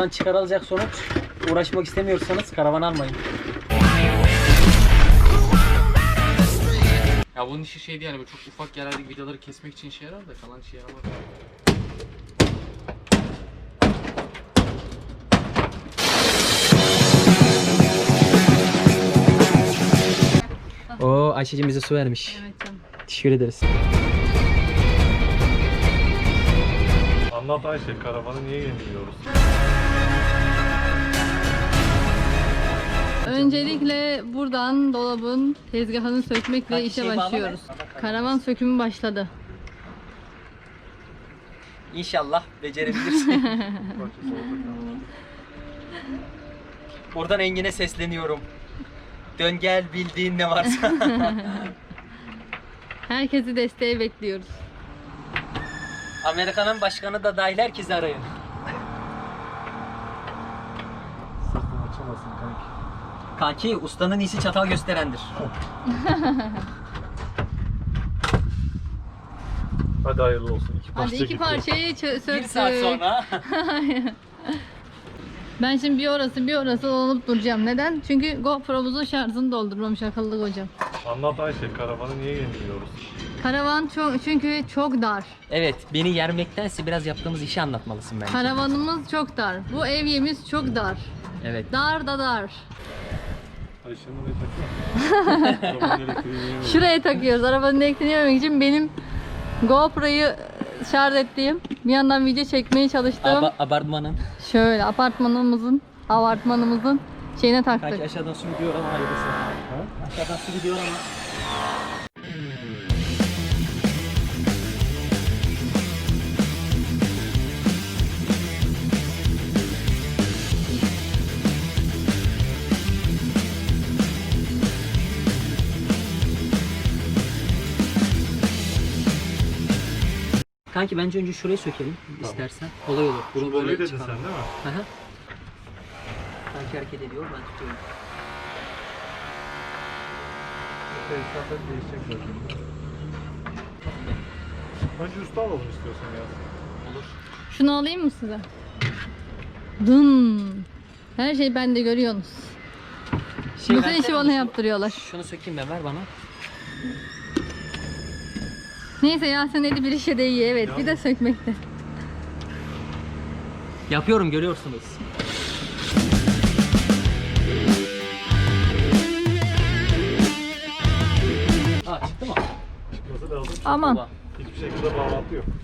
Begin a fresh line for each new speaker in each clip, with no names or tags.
Bundan çıkarılacak sonuç, uğraşmak istemiyorsanız karavan almayın.
Ya bunun işi şeydi yani, böyle çok ufak yerlerdeki vidaları kesmek için işe yarar da kalan işe yaramaz.
Oo, Ayşe'cim bize su vermiş.
Evet canım.
Teşekkür ederiz.
Anlat Ayşe, karavanı niye yeniliyoruz?
Öncelikle buradan dolabın tezgahını sökmekle
Kaç
işe
şey
başlıyoruz.
bağlı?
Karavan sökümü başladı.
İnşallah becerebilirsin. Buradan Engin'e sesleniyorum. Dön gel, bildiğin ne varsa.
Herkesi desteğe bekliyoruz.
Amerika'nın başkanı da dahil herkesi arayın.
Sırtını açamazsın kanki.
Kanki, ustanın iyisi çatal gösterendir.
Hadi hayırlı olsun.
Hadi iki parçayı söktük.
Bir saat sonra.
Ben şimdi bir orası dolanıp duracağım. Neden? Çünkü GoPro'muzun şarjını doldurmamış akıllı kocam.
Anlat Ayşe, karavanı niye yeniliyoruz?
Karavan çünkü çok dar.
Evet, beni yermektense biraz yaptığımız işi anlatmalısın bence.
Karavanımız çok dar. Bu evyemiz çok dar.
Evet.
Dar da dar.
Ayşe'nin ne takıyor? Karavanın elektriğini yemiyor.
Şuraya takıyoruz. Arabanın elektriğini yememek için benim GoPro'yu şarj ettiğim, bir yandan video çekmeye çalıştığım
Abartmanın.
şöyle apartmanımızın şeyine taktık.
Kanki aşağıdan su gidiyor ama hayırlısı. Aşağıdan su gidiyor ama. Kanki bence önce şurayı sökelim istersen. Kolay olur. Bunu
Böyle dedin
çıkalım.
sen değil mi?
Hı hı. Kanki hareket ediyor, ben tutuyorum.
Tesisatlar değişecek zaten. Önce usta alalım istiyorsan ya.
Olur.
Şunu alayım mı size? Dın. Her şeyi bende görüyorsunuz. Bütün
versene
işi bana
şunu-
yaptırıyorlar.
Şunu sökeyim ben, ver bana.
Neyse Yasin eli bir işe de iyi, evet. Bir de sökmekte.
Yapıyorum, görüyorsunuz. Aa, çıktı mı?
Çıkması lazım.
Aman.
Baba.
Hiçbir şekilde bağlantı yok.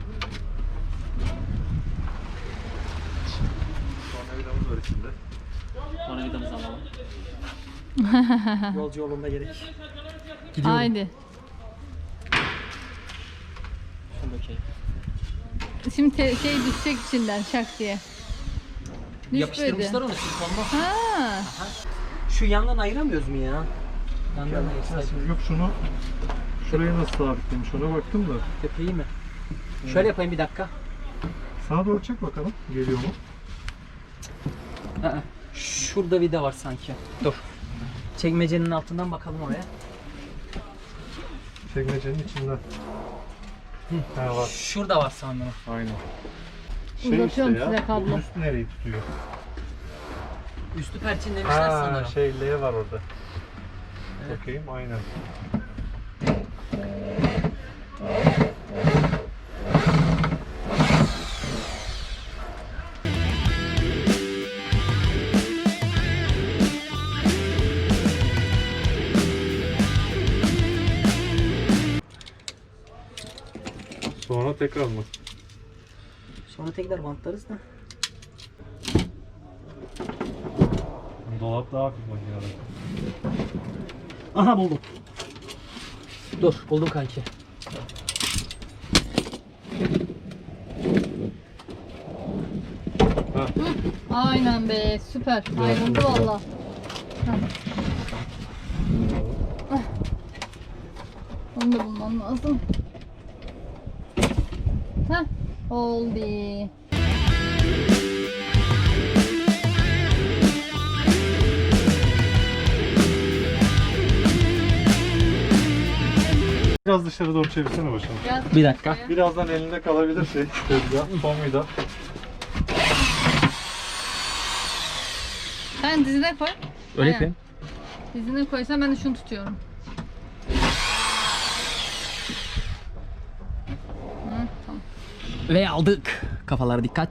Sonra vidamız var içinde.
Sonra vidamızı alalım. Yolcu yolunda gerek. Gidiyorum.
Haydi.
Şunu dökeyim.
Şimdi şey düşecek içinden şak diye. Düşmedi.
Yapıştırmışlar onu silikonla.
Ha.
Şu yandan ayıramıyoruz mu ya? Yandan ayırsak.
Yok şunu, şurayı nasıl sabitlemiş ona baktım da.
Tepeyi mi? Şöyle yapayım bir dakika.
Sağa doğru çek bakalım, geliyor mu?
Aa, şurada vida var sanki. Dur. Çekmecenin altından bakalım oraya.
Çekmecenin içinden. Ha var.
Şurada var sanırım.
Aynen.
Uzatıyorum size kablo.
Bu üst nereyi tutuyor?
Üstü perçin demişler
Ha
sanırım.
L var orada.
Evet.
Bakayım aynen. Sonra tekrar mı?
Sonra tekrar bantlarız da.
Dolap daha hafif makinede.
Aha, buldum. Dur, buldum kanki.
Aynen be, süper. Ayrıldı valla. Onu da bulmam lazım. Heh, oldu.
Biraz dışarı doğru çevirsene başını.
Biraz
Bir dakika.
Birazdan elinde kalabilir şey. Tezgah, son vida.
Sen dizine koy.
Öyle
Aynen.
yapayım.
Dizine koysan ben de şunu tutuyorum. Hı, tamam.
Ve aldık. Kafalara dikkat.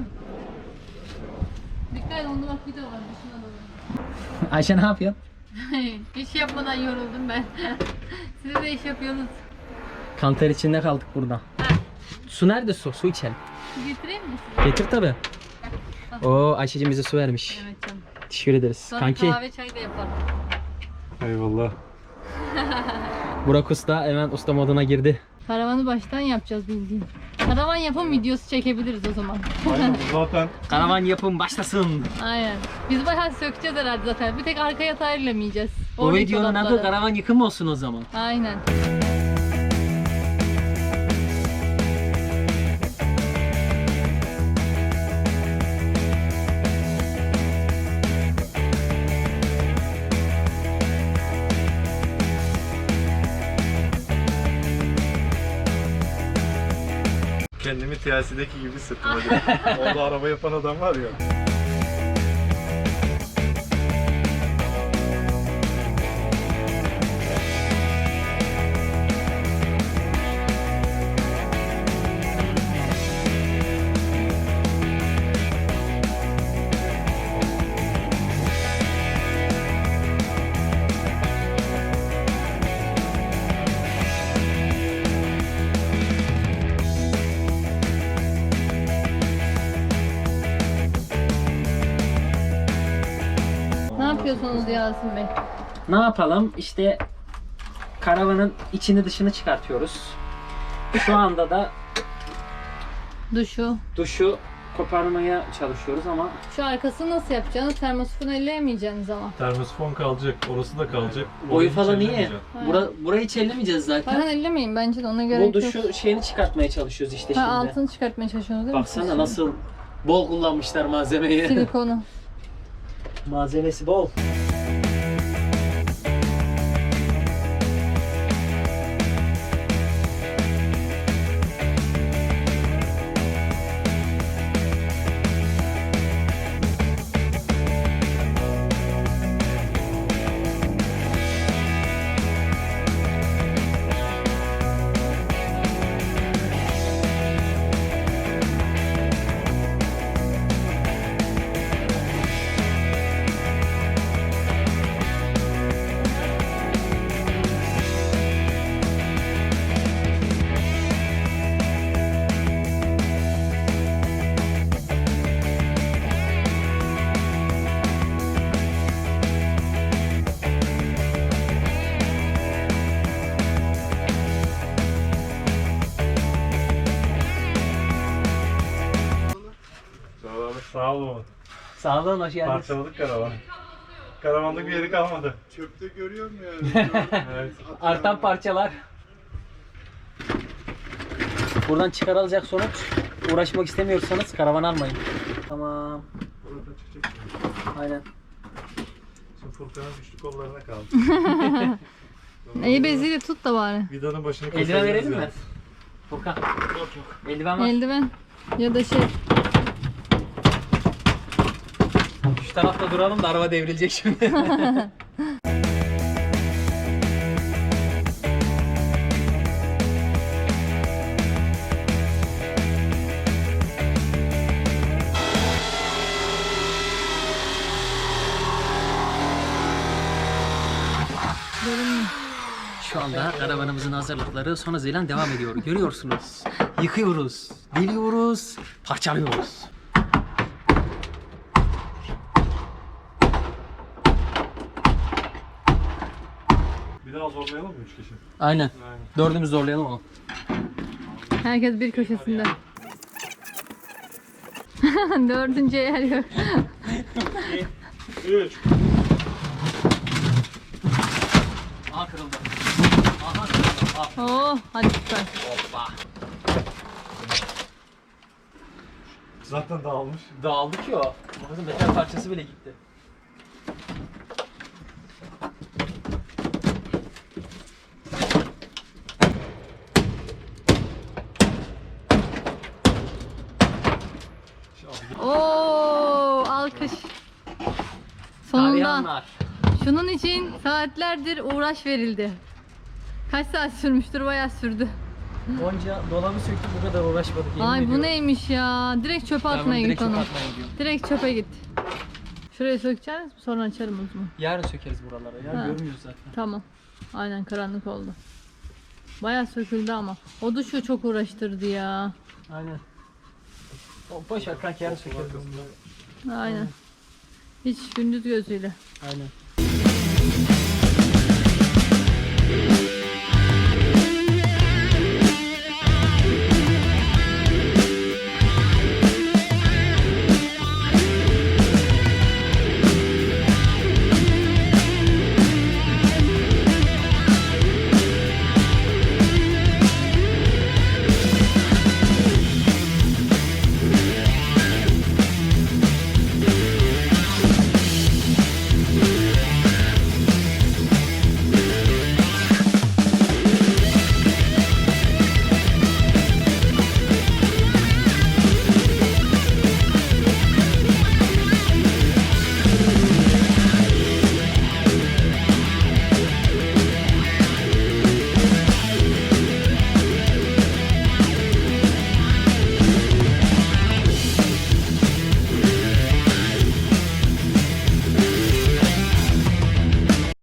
Dikkat et, onda bak video var. Dışına doğru.
Ayşe ne yapıyor?
İş yapmadan yoruldum ben. Siz de iş yapıyorsunuz.
Kanter içinde kaldık burada. Su nerede su? Su içelim.
Su getireyim mi size?
Getir tabi. Oo Ayşe'cim bize su vermiş.
Evet canım.
Teşekkür ederiz.
Sonra
Kanki
kahve çay da yaparım.
Eyvallah.
Burak Usta hemen usta moduna girdi.
Karavanı baştan yapacağız bildiğin. Karavan yapım videosu çekebiliriz o zaman.
Aynen bu zaten
Karavan yapım başlasın.
Aynen. Biz bayağı sökeceğiz herhalde zaten. Bir tek arka yatağı ellemeyeceğiz.
O
Oradaki
videonun adı
dolapları.
karavan yıkımı olsun o zaman.
Aynen.
kendimi TLC'deki gibi hissettim hadi. Orada araba yapan adam var ya.
Ne yapıyorsunuz Yasin Bey?
Ne yapalım? İşte karavanın içini dışını çıkartıyoruz. Şu anda da duşu koparmaya çalışıyoruz ama
Şu arkasını nasıl yapacaksınız? Termosifonu elleyemeyeceksiniz ama.
Termosifon kalacak, orası da kalacak.
boyu
Orayı
falan iyi.
çeviremeyeceğim.
Burayı hiç ellemeyeceğiz zaten.
Falan ellemeyin bence de, ona göre
Bu
yok.
duşu şeyini çıkartmaya çalışıyoruz işte
Ha,
şimdi.
altını çıkartmaya çalışıyorsunuz değil mi?
Baksana nasıl bol kullanmışlar malzemeyi.
Silikonu.
Malzemesi bol.
Sağ olun.
Sağ olun, hoş geldiniz.
Parçaladık karavan. Karavanda bir yeri kalmadı.
Çöpte görüyor mu yani?
Evet.
Artan parçalar. Buradan çıkarılacak sonuç, uğraşmak istemiyorsanız karavan almayın. Tamam.
Burada çıkacak.
Aynen.
Şimdi Furkan'ın güçlü kollarına kaldı.
İyi beziyle tut da bari.
Vidanın başını
Eldiven
kesebiliriz
verelim mi?
yani.
Furkan. Yok. Eldiven var.
Eldiven. Ya da şey.
Şu tarafta duralım da araba devrilecek şimdi. Şu anda karavanımızın hazırlıkları son hızıyla devam ediyor. Görüyorsunuz. Yıkıyoruz, deliyoruz, parçalıyoruz.
Bir daha zorlayalım mı 3 kişi?
Aynen.
Aynen.
Dördümüz zorlayalım onu.
Herkes bir köşesinde. Dördüncü yer yok.
3.
Aha kırıldı. Aha kırıldı. Aha.
Oh, hadi süper.
Hoppa.
Zaten dağılmış.
Dağıldı ki o. Bakın metal parçası bile gitti.
Oo, alkış.
Hayvanlar.
şunun için saatlerdir uğraş verildi. Kaç saat sürmüştür? Bayağı sürdü.
Onca dolabı söktük bu kadar uğraşmadık. yemin
Ay bu
ediyorum.
neymiş ya? Direkt çöpe
Ben bunu
atmaya
direkt
git
çöpe
onu.
atmaya gidiyorum.
Direkt çöpe git. Şuraya sökeceğiz, sonra açarım o zaman.
Yarın sökeriz buraları ya.
Ha.
Görmüyoruz zaten.
Tamam. Aynen karanlık oldu. Bayağı söküldü ama. O da şu çok uğraştırdı ya.
Aynen. O boş ver kanka yarın sökeriz.
Aynen. Hiç gündüz gözüyle.
Aynen.